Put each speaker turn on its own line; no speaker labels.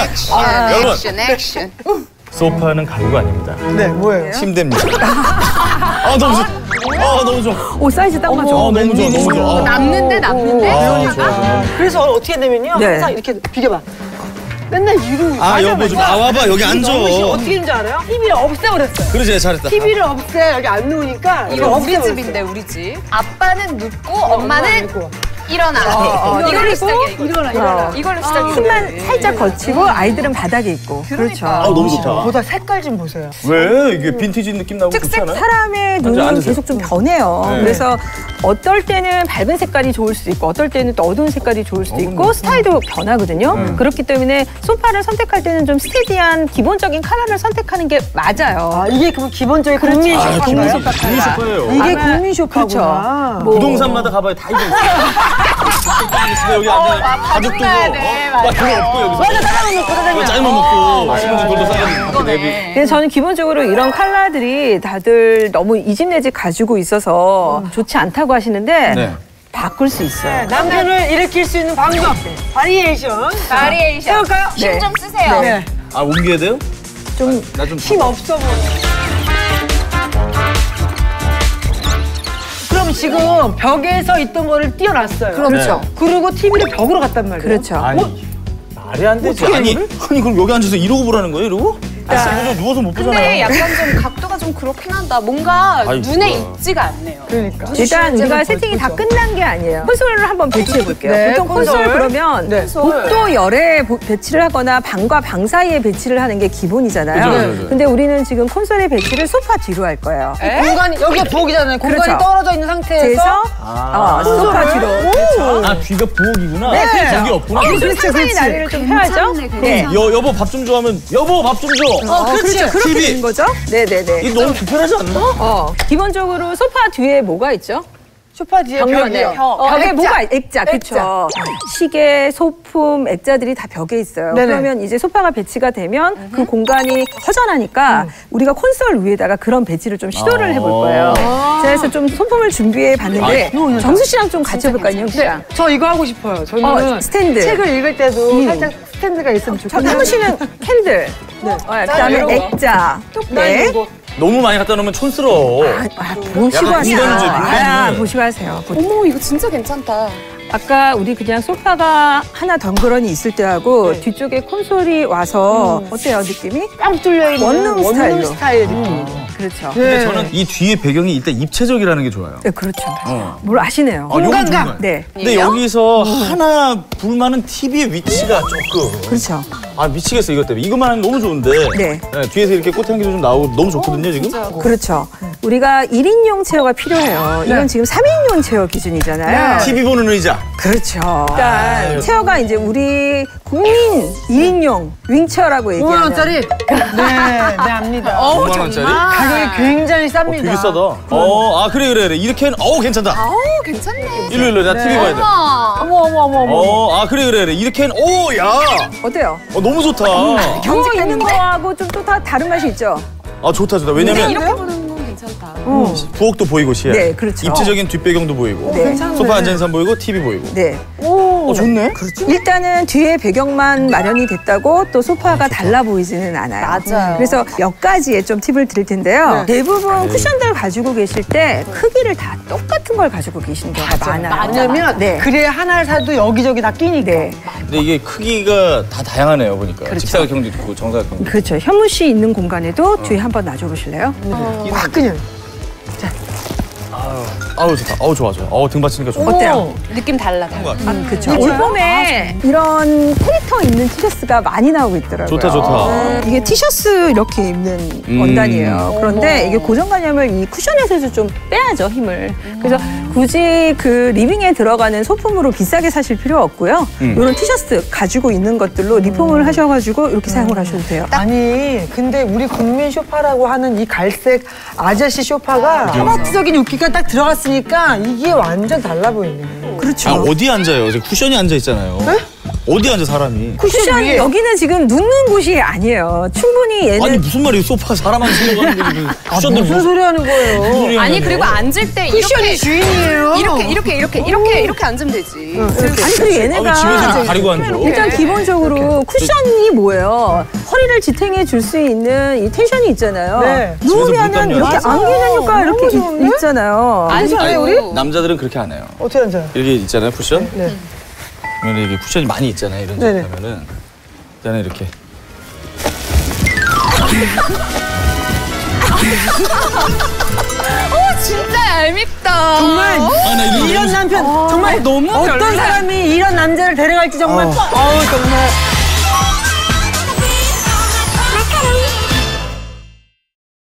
여러분.
액션.
소파는 가구가 아닙니다.
네, 뭐예요?
침대입니다. 너무 좋아. 너무 좋아.
오, 사이즈 딱 맞아.
너무 좋아, 너무 좋아.
남는데.
그래서 어떻게 되면요.
네.
항상 이렇게 비켜봐. 맨날 이러고.
여보 좀 와봐, 여기 앉아.
어떻게 되는지 알아요? TV를 없애버렸어요.
그러지, 잘했다.
TV를 없애, 여기 안 누우니까.
이거 우리 집인데, 우리 집. 아빠는 눕고 엄마는 일어나. 이걸로 시작이야. 일어나. 이걸로 시작이야.
힘만 살짝 거치고 아이들은 바닥에 있고. 그렇죠.
너무 좋다.
보다 색깔 좀 보세요.
왜? 이게 빈티지 느낌 나고 그렇지 않아요?
사람의 눈은
앉으세요.
계속 좀 변해요.
네.
그래서 어떨 때는 밝은 색깔이 좋을 수도 있고 어떨 때는 또 어두운 색깔이 좋을 수도 있고 스타일도 변하거든요. 그렇기 때문에 소파를 선택할 때는 좀 스테디한 기본적인 컬러를 선택하는 게 맞아요.
이게 그 기본적인 국민 쇼파인가요?
국민 소파
국민
컬러.
소파예요.
이게 국민 쇼파구나.
뭐
부동산마다 가봐야 다 이거 있어. 여기 앉아. 가죽 두고. 그거 없고 여기서.
맞아, 짜장면 먹고 짜장면.
짜장면 먹고 신문지 돌도 싸가지고 내비.
그래서 저는 기본적으로 이런 컬러들이 다들 너무 이 집 내 집 가지고 있어서 좋지 않다고 하시는데
네.
바꿀 수 있어요.
남편을 일으킬 수 있는 방법. 바리에이션. 세울까요?
힘 좀 쓰세요.
네.
옮겨야 돼요?
좀
나 좀
힘 없어 보여. 그럼 지금 벽에서 있던 거를 띄워놨어요.
그렇죠.
그리고 TV를 벽으로 갔단 말이에요.
그렇죠.
말이 안 되지. 아니 그럼 여기 앉아서 이러고 보라는 거예요? 이러고? 저 누워서 못 보잖아요.
근데 약간 좀 각도가 좀 그렇긴 한다. 뭔가
아이고.
눈에 익지가 않네요.
그러니까.
일단 우리가 세팅이 다 끝난 게 아니에요. 콘솔을 한번 배치해 볼게요.
네,
보통 콘솔
콘솔.
그러면
네.
복도 열에 배치를 하거나 방과 방 사이에 배치를 하는 게 기본이잖아요.
그죠.
근데 우리는 지금 콘솔의 배치를 소파 뒤로 할 거예요.
공간이 여기가 부엌이잖아요. 공간이
그렇죠.
떨어져 있는 상태에서
그래서 소파 뒤로.
뒤가 부엌이구나.
네, 그렇죠.
여기 없구나.
좀 상상의 나래를 좀 펴야죠. 네.
여보 밥 좀 좋아하면 여보 밥 좀 줘.
그렇죠. 그렇게
TV.
되는 거죠? 네네네.
이거 너무 불편하지 않나?
기본적으로 소파 뒤에 뭐가 있죠?
소파 뒤에
벽면에
벽이요.
벽에
액자.
뭐가 액자, 그렇죠. 시계, 소품, 액자들이 다 벽에 있어요.
네네.
그러면 이제 소파가 배치가 되면 그 공간이 허전하니까 우리가 콘솔 위에다가 그런 배치를 좀 시도를 해볼 거예요. 그래서 좀 소품을 준비해 봤는데 정수 씨랑 좀 같이 해볼까요, 인영 씨랑?
저 이거 하고 싶어요. 저는
스탠드.
책을 읽을 때도 살짝 스탠드가 있으면 좋겠어요.
현우 씨는 캔들, 그다음에
이런 거.
액자, 네.
이거.
너무 많이 갖다 놓으면 촌스러워.
보시고
약간
하세요.
공간주의, 공간주의.
보시고 하세요.
어머, 이거 진짜 괜찮다.
아까 우리 그냥 소파가 하나 덩그러니 있을 때하고 뒤쪽에 콘솔이 와서 어때요, 느낌이?
빵 뚫려 있는
원룸 스타일로.
스타일 느낌.
그렇죠.
근데 저는 이 뒤에 배경이 일단 입체적이라는 게 좋아요.
네, 그렇죠. 뭘 아시네요.
요건
공간감.
정말.
네,
근데 여기서 하나 불만은 TV의 위치가 조금.
그렇죠.
미치겠어 이것 때문에. 이것만 하면 너무 좋은데.
네.
뒤에서 이렇게 꽃향기도 좀 나오고 너무 좋거든요 지금.
그렇죠. 우리가 1인용 체어가 필요해요. 이건 지금 3인용 체어 기준이잖아요.
TV 보는 의자.
그렇죠. 그러니까 체어가 이제 우리 국민 1인용 윙체어라고 얘기하는.
5만 원짜리? 네, 압니다.
5만 원짜리?
가격이 굉장히 쌉니다.
되게 싸다. 그래. 이렇게 괜찮다.
괜찮네.
일로 나 TV 봐야 돼.
어머.
그래. 이렇게 야.
어때요?
너무 좋다.
경쟁 있는 거하고 좀 또 다른 맛이 있죠?
좋다. 왜냐면
이렇게 보는 건 괜찮다.
부엌도 보이고 시야.
네, 그렇죠.
입체적인 뒷배경도 보이고.
네.
소파 앉은 사람 보이고 TV 보이고.
네.
좋네.
일단은 뒤에 배경만 마련이 됐다고 또 소파가 달라 보이지는 않아요.
맞아요.
그래서 몇 가지의 좀 팁을 드릴 텐데요. 대부분 쿠션들 가지고 계실 때 크기를 다 똑같은 걸 가지고 계시는 경우가 많아요.
왜냐면
네.
그래 하나를 사도 여기저기 다 끼니까.
네.
근데 이게 크기가 다 다양하네요 보니까. 직사각형도 있고 정사각형도 있고.
그렇죠. 현무 씨 있는 공간에도 뒤에 한번 놔줘 보실래요?
확 그냥.
좋아. 등 받치니까 좋아.
어때요?
느낌 달라.
그렇죠. 올봄에 이런 캐릭터 있는 티셔츠가 많이 나오고 있더라고요.
좋다.
이게 티셔츠 이렇게 입는 원단이에요. 그런데 이게 고정관념을 이 쿠션에서 좀 빼야죠, 힘을. 그래서 굳이 그 리빙에 들어가는 소품으로 비싸게 사실 필요 없고요. 이런 티셔츠 가지고 있는 것들로 리폼을 하셔가지고 이렇게 사용을 하셔도 돼요.
아니 근데 우리 국민 쇼파라고 하는 이 갈색 아저씨 쇼파가 허벅지적인 웃기가 딱 들어갔으니까 이게 완전 달라 보이네.
그렇죠.
어디 앉아요? 쿠션이 앉아 있잖아요. 어디 앉아 사람이?
쿠션
위에.
여기는 지금 눕는 곳이 아니에요. 충분히 얘는
아니 무슨 말이에요? 소파 사람 앉으려고 하는 거지. 쿠션들
무슨 소리 하는 거예요?
아니 그리고 앉을 때
쿠션이
이렇게
주인이에요.
이렇게 앉으면 되지.
아니 그리고 얘네가
아, 집에서 이렇게 가리고 앉아.
일단 기본적으로 쿠션이 뭐예요? 허리를 지탱해 줄 수 있는 이 텐션이 있잖아요.
네.
누우면은
집에서
이렇게
맞아요.
안기는 효과
너무
이렇게
좋은데?
있잖아요.
아니 우리
남자들은 그렇게 안 해요.
어떻게 앉아요?
이렇게 있잖아요, 쿠션.
네.
그러면 이게 쿠션이 많이 있잖아요, 이런 집
네네.
가면은. 일단은 이렇게.
진짜 얄밉다.
정말
아, 나
이런 남편 정말
너무
어떤
별로야.
사람이 이런 남자를 데려갈지 정말
어.
어우 정말